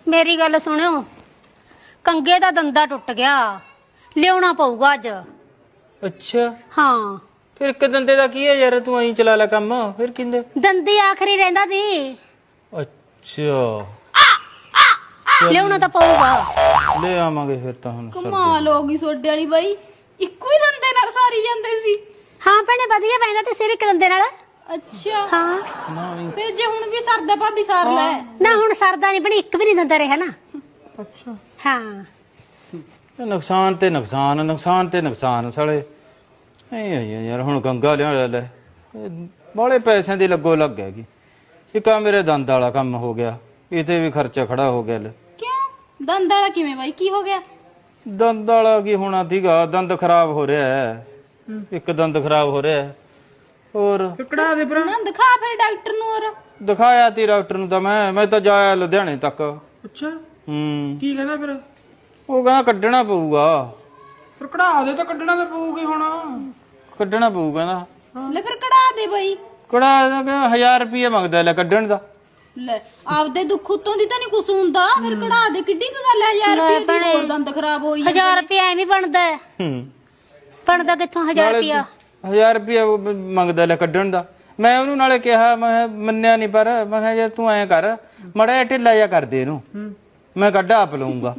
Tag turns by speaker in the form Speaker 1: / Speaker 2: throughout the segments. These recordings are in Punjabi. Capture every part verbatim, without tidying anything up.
Speaker 1: ਮੇਰੀ ਗੱਲ ਸੁਣਿਓ, ਕੰਗੇ ਦਾ ਦੰਦਾ ਟੁੱਟ ਗਿਆ, ਲਿਆਉਣਾ ਪਊਗਾ ਅੱਜ।
Speaker 2: ਅੱਛਾ
Speaker 1: ਹਾਂ,
Speaker 2: ਫਿਰ ਇੱਕ ਦੰਦੇ ਦਾ ਕੀ ਹੈ ਯਾਰ, ਤੂੰ ਐਂ ਚਲਾ ਲੈ ਕੰਮ, ਫਿਰ ਕਿੰਦੇ?
Speaker 1: ਦੰਦੀ ਆਖਰੀ ਰਹਿੰਦਾ ਸੀ,
Speaker 2: ਅੱਛਾ
Speaker 1: ਲਿਆਉਣਾ ਤਾਂ ਪਊਗਾ।
Speaker 2: ਲੈ ਆਵਾਂਗੇ ਫਿਰ ਤਾਂ ਹੁਣ।
Speaker 3: ਕਮਾਲ ਹੋ ਗਈ ਸੋਡੇ ਵਾਲੀ ਬਾਈ, ਇੱਕੋ ਹੀ ਦੰਦੇ ਨਾਲ ਸਾਰੀ ਜਾਂਦੇ ਸੀ।
Speaker 1: ਹਾਂ ਭੈਣੇ, ਵਧੀਆ ਪੈਂਦਾ ਤੇ ਸਿਰ ਇੱਕ ਦੰਦੇ ਨਾਲ।
Speaker 3: ਅੱਛਾ
Speaker 1: ਹਾਂ
Speaker 2: ਨਾ
Speaker 3: ਤੇ ਜੇ ਹੁਣ ਵੀ ਸਰਦਾ ਭਾਬੀ ਸਾਰ ਲੈ।
Speaker 1: ਨਾ ਹੁਣ ਸਰਦਾ ਨਹੀਂ, ਭੈਣੇ ਇੱਕ ਵੀ ਨਹੀਂ ਦੰਦਾ ਰਿਹਾ ਨਾ।
Speaker 2: ਅੱਛਾ
Speaker 1: ਹਾਂ
Speaker 2: ਇਹ ਨੁਕਸਾਨ ਤੇ ਨੁਕਸਾਨ, ਨੁਕਸਾਨ ਤੇ ਨੁਕਸਾਨ ਸਾਲੇ ਐ ਯਾਰ। ਹੁਣ ਗੰਗਾ ਲਿਆ ਲੈ, ਬਾਲੇ ਪੈਸਿਆਂ ਦੀ ਲੱਗੋ ਲੱਗ ਹੈਗੀ। ਇੱਕ ਆ ਮੇਰੇ ਦੰਦ ਵਾਲਾ ਕੰਮ ਹੋ ਗਿਆ, ਇਹਤੇ ਵੀ ਖਰਚਾ ਖੜਾ ਹੋ ਗਿਆ। ਲੈ
Speaker 3: ਕਿਉਂ ਦੰਦ ਵਾਲਾ ਕਿਵੇਂ ਬਾਈ, ਕੀ ਹੋ ਗਿਆ?
Speaker 2: ਦੰਦ ਵਾਲਾ ਕੀ ਹੋਣਾ ਸੀਗਾ, ਦੰਦ ਖਰਾਬ ਹੋ ਰਿਹਾ ਹੈ, ਇੱਕ ਦੰਦ ਖਰਾਬ ਹੋ ਰਿਹਾ ਹੈ। ਹੋਰ
Speaker 4: ਕੜਾ ਦੇ ਭਰਾ।
Speaker 3: ਨਾ ਦਿਖਾ ਫਿਰ ਡਾਕਟਰ ਨੂੰ। ਹੋਰ
Speaker 2: ਦਿਖਾਇਆ ਤੀ ਡਾਕਟਰ ਨੂੰ ਤਾਂ ਮੈਂ ਮੈਂ ਤਾਂ ਜਾਇਆ ਲੁਧਿਆਣੇ ਤੱਕ।
Speaker 4: ਅੱਛਾ
Speaker 2: ਹੂੰ
Speaker 4: ਕੀ ਕਹਿੰਦਾ ਫਿਰ?
Speaker 2: ਉਹ ਕਹਿੰਦਾ ਕੱਢਣਾ ਪਊਗਾ।
Speaker 4: ਫਿਰ ਕੜਾ ਦੇ ਤਾਂ ਕੱਢਣਾ ਤਾਂ ਪਊਗੀ ਹੁਣ।
Speaker 2: ਕੱਢਣਾ ਪਊਗਾ ਨਾ।
Speaker 3: ਲੈ ਫਿਰ ਕਢਾ ਦੇ ਬਾਈ।
Speaker 2: ਕੜਾ ਕਹਿੰਦਾ ਹਜ਼ਾਰ ਰੁਪਏ ਮੰਗਦਾ ਲੈ ਕੱਢਣ ਦਾ।
Speaker 3: ਲੈ ਆਪਦੇ ਦੁੱਖ ਉਤੋਂ ਦੀ ਤਾਂ ਨਹੀਂ ਕੁਛ ਹੁੰਦਾ, ਫਿਰ ਕਢਾ ਦੇ। ਕਿੱਡੀ ਕੁ ਗੱਲ ਹੈ ਹਜ਼ਾਰ ਰੁਪਏ ਦੀ, ਹੋਰ ਦੰਦ ਖਰਾਬ ਹੋਈ ਜਾਂਦੇ
Speaker 1: ਹਜ਼ਾਰ
Speaker 3: ਨੇ।
Speaker 1: ਰੁਪਇਆ ਐਵੇਂ ਬਣਦਾ ਹੈ?
Speaker 2: ਹੂੰ
Speaker 1: ਬਣਦਾ ਕਿੱਥੋਂ ਹਜ਼ਾਰ
Speaker 2: ਨਾਲੇ
Speaker 1: ਰੁਪਇਆ?
Speaker 2: ਹਜ਼ਾਰ ਰੁਪਏ ਮੰਗਦਾ ਲੈ ਕੱਢਣ ਦਾ। ਮੈਂ ਉਹਨੂੰ ਨਾਲੇ ਕਿਹਾ, ਮੈਂ ਕਿਹਾ ਮੰਨਿਆ ਨਹੀਂ, ਪਰ ਮੈਂ ਕਿਹਾ ਯਾਰ ਤੂੰ ਐਂ ਕਰ, ਮੜਾ ਜਿਹਾ ਢਿੱਲਾ ਜਿਹਾ ਕਰ ਦੇ ਇਹਨੂੰ, ਮੈਂ ਕੱਢ ਆਪ ਲਊਂਗਾ।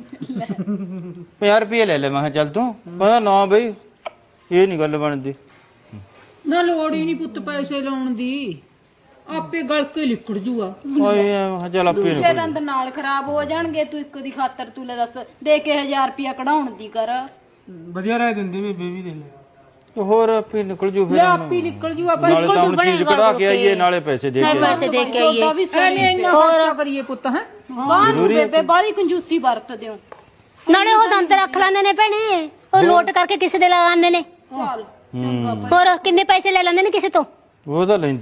Speaker 2: ਪੰਜਾਹ ਰੁਪਏ ਲੈ ਲੈ। ਮੈਂ ਕਿਹਾ ਚੱਲ ਤੂੰ। ਕਹਿੰਦਾ ਨਾ ਬਈ ਇਹ ਨਹੀਂ ਗੱਲ ਬਣਦੀ।
Speaker 5: ਨਾ ਲੋੜ ਹੀ ਨਹੀਂ ਪੁੱਤ ਪੈਸੇ ਲਾਉਣ ਦੀ, ਆਪੇ ਗਲ ਕੇ ਲਿਕੜ ਜੂਗਾ।
Speaker 2: ਓਏ ਮੈਂ ਕਿਹਾ ਚੱਲ ਆਪੇ
Speaker 3: ਦੂਜੇ ਦੰਦ ਨਾਲ ਖਰਾਬ ਹੋ ਜਾਣਗੇ, ਤੂੰ ਇੱਕ ਦੀ ਖਾਤਰ ਤੂੰ ਲੈ ਦੱਸ ਦੇ ਕੇ ਹਜ਼ਾਰ ਰੁਪਇਆ ਕਢਾਉਣ ਦੀ ਕਰ।
Speaker 4: ਵਧੀਆ ਰਹਿ ਦਿੰਦੀ ਵੀ ਬੇਬੀ ਦੇ ਲੈ।
Speaker 2: ਹੋਰ ਆਪੇ ਨਿਕਲ ਜੂ ਫਿਰ।
Speaker 5: ਲੈ ਆਪੇ ਨਿਕਲ ਜੂ, ਆਪਾਂ
Speaker 2: ਨਾਲੇ ਤਾਂ ਹੁਣ ਚੀਜ਼ ਕਢਾ ਕੇ ਆਈਏ, ਨਾਲੇ ਪੈਸੇ ਦੇ ਕੇ
Speaker 1: ਪੈਸੇ ਦੇ ਕੇ
Speaker 3: ਸੌਦਾ ਵੀ
Speaker 5: ਐਵੇਂ
Speaker 3: ਸਹੀ
Speaker 5: ਇੰਨਾ ਖਰਚਾ ਕਰੀਏ ਪੁੱਤ। ਹੈ
Speaker 3: ਕਾਹਨੂੰ ਬੇਬੇ ਬਾਲੀ ਕੰਜੂਸੀ ਵਰਤਦੇ ਹੋ।
Speaker 1: ਨਾਲੇ ਉਹ ਦੰਦ ਰੱਖ ਲੈਂਦੇ ਨੇ ਭੈਣੇ, ਉਹ ਲੋਟ ਕਰਕੇ ਕਿਸੇ ਦੇ ਲਗਾਉਂਦੇ ਨੇ।
Speaker 3: ਚੱਲ ਚੰਗਾ
Speaker 1: ਹੋਰ ਕਿੰਨੇ ਪੈਸੇ ਲੈ ਲੈਂਦੇ ਨੇ ਕਿਸੇ ਤੋਂ।
Speaker 2: ਉਹ ਤਾਂ ਲੈਂਦੀ